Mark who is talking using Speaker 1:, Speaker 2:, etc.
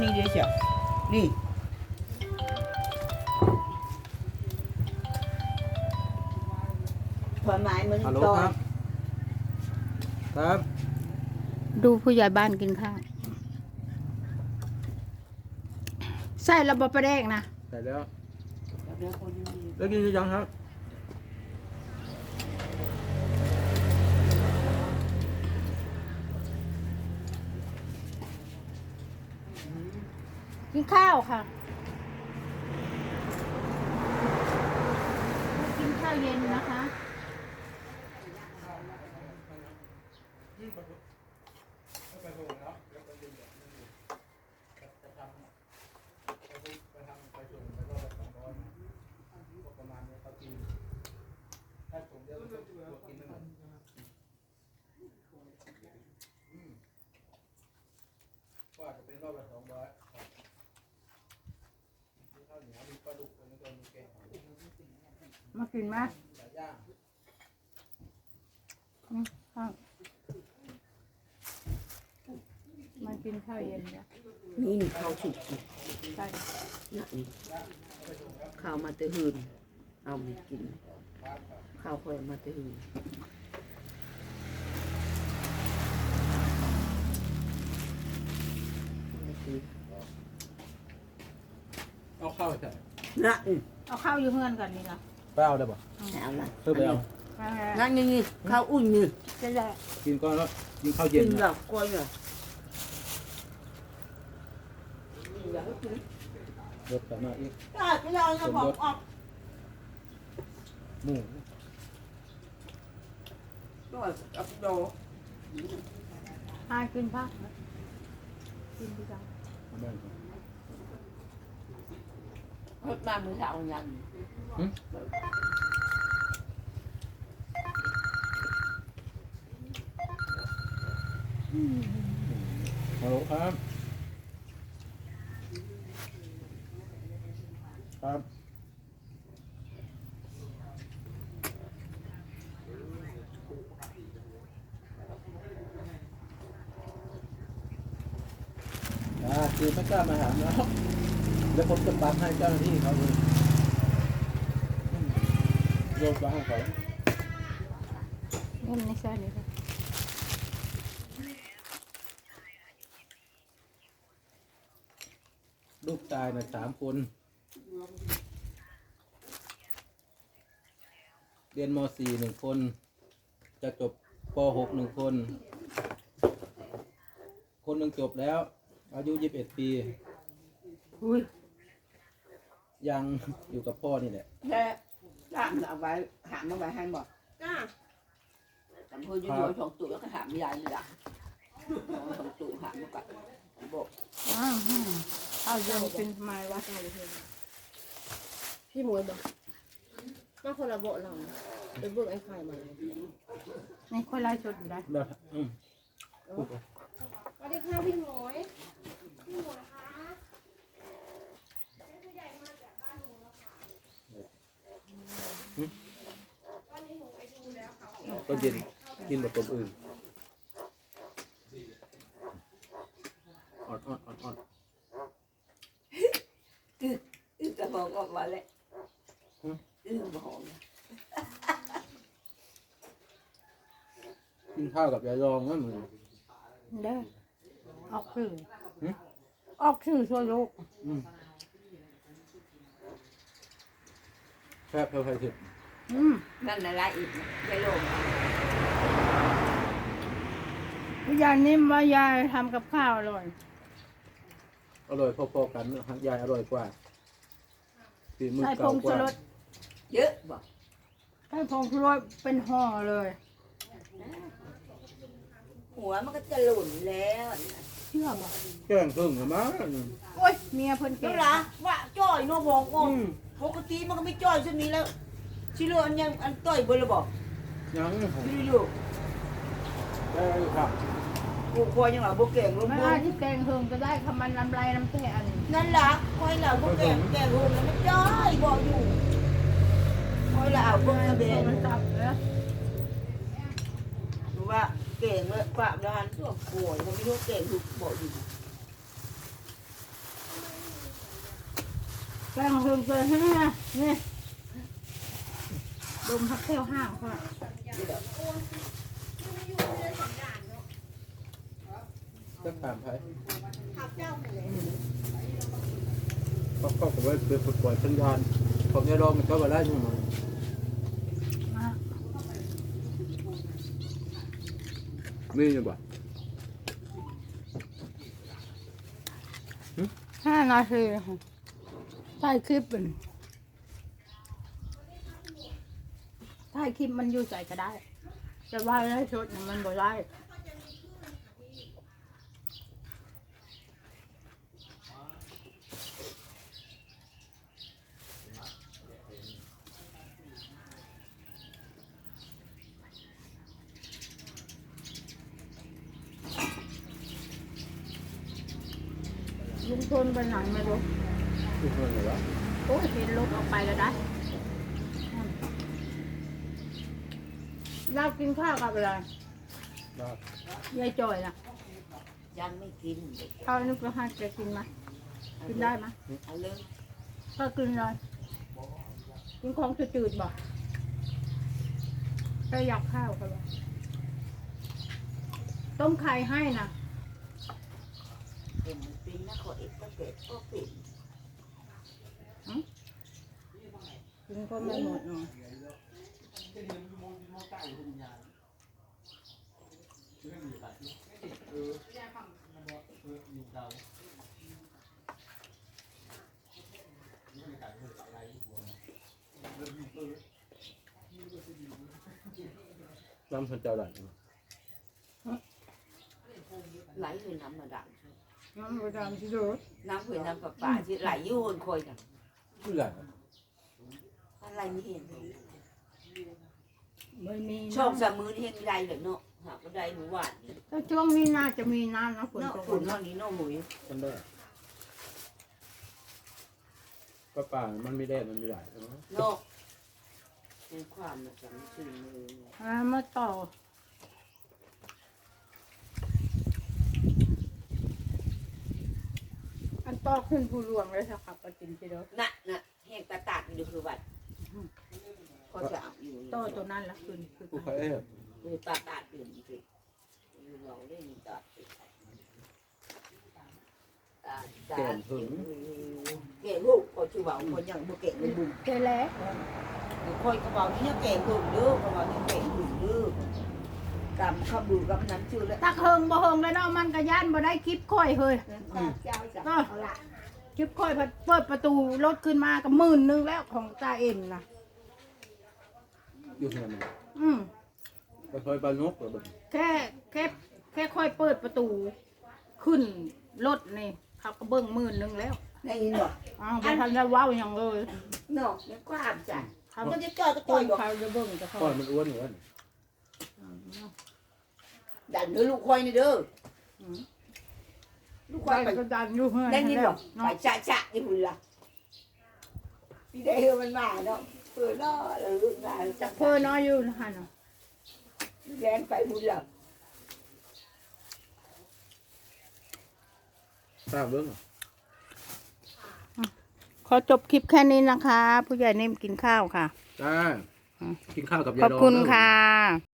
Speaker 1: นี่เดี๋ยวเชียวนี่ผลไม้มัน
Speaker 2: ฮัลโหล
Speaker 1: ตอ
Speaker 2: คน รับครับ
Speaker 3: ดูผู้ใหญ่บ้านกินข้าวใส่ระบบประเดกนะ
Speaker 2: ใส่แล้ว
Speaker 1: เดี๋ยวคนนี้
Speaker 2: แล้วกินหรือยังครับ
Speaker 3: กินข้าวค่ะกินข้าวเย็นนะคะ
Speaker 2: ว่าจะเป็นรอบละ200ข้าวเหนียวมีปลาดุกมีตัวมีแกง
Speaker 3: มากินไหม
Speaker 2: หลายอย่าง
Speaker 3: ข้าวมากินข้าวเย็นจ้ะ
Speaker 1: นี่ข้าวสุก
Speaker 3: ใช่
Speaker 1: นี่ข้าวมาเตหืนเอาไปกินข้าวคอยมาเตหืน
Speaker 2: เอาข้าวใส่
Speaker 1: นะ
Speaker 3: เอาข้าวอยู่เพื่อนกันนี่นะ
Speaker 2: ไปเอาได้ป่ะ
Speaker 1: เอาละ
Speaker 2: เพิ่มไปเอา
Speaker 1: นั่นนี่ข้าวอุ่นนี่
Speaker 3: จะได้
Speaker 2: กินก่อนแล้วกินข้าวเย็
Speaker 1: กิ
Speaker 2: น
Speaker 1: นแบบก้อยแบบ
Speaker 2: รสแต่มาอีก
Speaker 1: ได้ไปเอาจะบอกออก
Speaker 2: หมู
Speaker 1: ด้วยกับโด
Speaker 3: หากินผักนะกินดีจัง
Speaker 2: เอาแบ่งก่อน
Speaker 1: รถมามือเท้ายัน
Speaker 2: ฮัลโหลครับครับคือไม่กล้ามาหาเนาะแล้วผมจะปัดให้เจ้าหน้าที่เขาเลยโยนไปให้เขา
Speaker 3: นี่ไม่ใช่เลยค่ะ
Speaker 2: ลูกชายนะ3 คน เรียนม .4 1 คน จะจบป .6 1 คน คนหนึ่งจบแล้ว อายุ21 ปี
Speaker 1: อุ้ย
Speaker 2: ยังอยู่กับพ่อนี่แหละ
Speaker 1: แค่ถามเอาไว้ถามเอาไว้ให้บอกจ้าจำพูดอยู่ๆ2 ตัวแล้วก็ถามยายเลยอ่ะ2 ตัวถามมาก่อนบอก
Speaker 3: ข้าวเย็นเป็นทำไมวะ
Speaker 4: พี่หมวยบอกมาคนละโบะเราไปเบิกไอ้ไข่มา
Speaker 3: นี่คนไล่ชดอยู่ได้
Speaker 2: แล้วพูดไป
Speaker 4: สวัสดีค่ะพี่หมวยพี่หมวยคะ
Speaker 2: ก็เย็นกินแบบตัวอื่นอ่อน
Speaker 1: จะบอกออกมาเลยบอก
Speaker 2: กินข้าวกับยายรองนั่นมึง
Speaker 3: เด้อออกสื่อออกสื่อช่วยลูก
Speaker 2: แค่เพิ่มไฟถึง
Speaker 1: นั่นอะไรอีกยายโลง
Speaker 3: ยายนิ่มว่ายายทำกับข้าวอร่อย
Speaker 2: อร่อยพอๆกันนะยายอร่อยกว่าฝีมือ
Speaker 3: ใส่ผ
Speaker 2: เก่าง ก
Speaker 3: ชู
Speaker 2: ว่าร
Speaker 3: ส
Speaker 1: เยอะบอก
Speaker 3: ใส่ผงชูรสเป็นห่อเลย
Speaker 1: หัวมันก็จะหล่นแล้ว
Speaker 3: เชื่อบ่
Speaker 2: แกล้งครึ่งเหรอมั้ง
Speaker 3: โอ๊ยเมียเพิ่นเก่
Speaker 1: เจ้า
Speaker 3: ง
Speaker 1: ละว่าจ้อยโนบอกว่าปกติมันก็ไม่จ้อยเช่นนี้แล้วชิโร่อันยังอันต้อยเบอร์ละบอก
Speaker 2: ยังผม
Speaker 1: ชิโร่
Speaker 2: ได้ครับ
Speaker 1: กูคอยยังหล่ะโบเก่งลง
Speaker 3: ไม่
Speaker 1: บ
Speaker 3: ได้
Speaker 1: น
Speaker 3: ที่แกงเฮิงก็ได้คำมันลำไรน้ำแท้อันนี้
Speaker 1: นั่นล่ะคอยหล่ะโบเก่งแก่ลงแล้วมันจ้อยบอกอยู่คอยหล่ะเอาพวกแบน
Speaker 3: มันจับแล้ว
Speaker 1: รู้ว่าเก่งเลยปราบแล้วหันตัวป่วยเขาไม่รู้เก่งถูกบอกอยู่
Speaker 3: แป้งเพิ่มเติมให้นะนี่ดมพักเที่ยวห้างเขา
Speaker 2: จะถามใคร
Speaker 4: ขับเจ้าไปเลย
Speaker 2: เขาก็ไว้เป็นปล่อยสัญญาณผมจะลองมันก็มาได้ยังไง
Speaker 3: มา
Speaker 2: มีอยู่บ่
Speaker 3: 5 นาทีถ่ายคลิปเป็นถ่ายคลิปมันอยู่ใจก็ได้จะว่าได้ชุดมันบ่ได้ลุงพลไปไหนไม่รู้
Speaker 2: คือเงินเหรอ
Speaker 3: โอ้ยเห็นรถออกไปแล้วได้เรากินข้าวกับอะไร
Speaker 2: ได้
Speaker 3: ยายจอยน่ะ
Speaker 1: ยังไม่กิน
Speaker 3: เอาอันนี้ไปให้แกกินไหมกินได้ไหม
Speaker 1: เอาเลย
Speaker 3: ก็กินเลยกินของจืดๆบ่ก็อยากข้าวกันเลยต้มไข่ให้นะ
Speaker 1: เป็นเป็นนะขอเอกก็เกิดก็เป็น
Speaker 3: กินก็ไม่หมดเนาะ
Speaker 2: น้ำพันเจ้าหลัง
Speaker 1: ไหลเลยน้ำมาดัง
Speaker 3: น้ำประจำที่ดู
Speaker 1: น้ำเผื่อน้ำประปาที่ไหลอยู่คนคอยกัน
Speaker 2: ผู้ใหญ่
Speaker 1: อะไรไม่เห็น
Speaker 3: ไม่มี
Speaker 1: ช่องสามมือนี่เห็นไม่ได้เลยเนาะหาก็ได้หมู่บ้านนี่
Speaker 3: แต่ช่วงนี้น่าจะมีน้ำนะฝน
Speaker 1: เนาะ
Speaker 3: ตก
Speaker 1: ฝนเท่านี้เนาะหมุย
Speaker 2: มันได้ก็ป่ามันไม่ได้มันไม่ได้ใช่ไหม
Speaker 1: เนาะเป็นความมันจะไม่ชื่นเลย
Speaker 3: มาต่ออันต่อขึ้นผู้รวงเลยสักครับประจินทีเดียว
Speaker 1: น่ะแห้งตาตาดอยู่คือวัดเขาจะเอาอยู่
Speaker 3: ต่อตัวนั้นละขึ้นคือ
Speaker 2: ผู้ใคร
Speaker 1: คือตาตาดอยู่จริงเราเล่นตาเก่งลูกคอยชื่อว่าคนยังบ่เก่งเลยบุญ
Speaker 3: เจแล้ว
Speaker 1: คอยกระเป๋านี่เก่งบุญเด้อกระเป๋านี่เก่งบุญเด้อกำขับบุญกับนั้นชื่อแล้ว
Speaker 3: ตักเฮิงบ่เฮิงแล้วเนาะมันก็ย่านบ่ได้คลิปค่อยเฮ้ย
Speaker 1: เจ้าจะ
Speaker 3: เอาละคลิปค่อยเปิดประตูรถขึ้นมาก็10,000แล้วของตาเอ็มนะ
Speaker 2: อยู่ที่ไหน ไปซอยปลานกหรือบ่
Speaker 3: แค่ค่อยเปิดประตูขึ้นรถนี่เขาก็เบิ่ง10,000แล้ว
Speaker 1: ได้ยินบ่
Speaker 3: อ้าวบ่ทันได้เว้าหยังเลย
Speaker 1: เนาะในความจ้ะ
Speaker 3: เขา
Speaker 1: มันจะเจอก็
Speaker 3: ค
Speaker 1: ต่อย
Speaker 3: น
Speaker 1: บ่
Speaker 3: เขาจะเบิ่งจะเขา
Speaker 2: ก้อนมันอ้วนเหมือนกัน
Speaker 1: ดันเด้อลูกคอยนี่เด้อลูกค
Speaker 3: ไป
Speaker 1: อยไป
Speaker 3: ก็ดันอยู่เฮือน
Speaker 1: ได้ยินบ่
Speaker 3: เนาะ
Speaker 1: ไปจะนี่พุ่นล่ะพี่ได้เฮอมันมาเนาะเปิดเนาะแล้วลูกมาจั
Speaker 3: เพิ่นน้อยอยู่หั่นน่ะ
Speaker 1: แลนไปพุ่นล่ะ
Speaker 2: ทราบเรื่อง
Speaker 3: ขอจบคลิปแค่นี้นะคะ ผู้ใหญ่เนมกินข้าวค่ะ
Speaker 2: ได้กินข้าวกับยา
Speaker 3: ขอบ
Speaker 2: ดอง
Speaker 3: คุณ
Speaker 2: เด้อ
Speaker 3: ค่ะ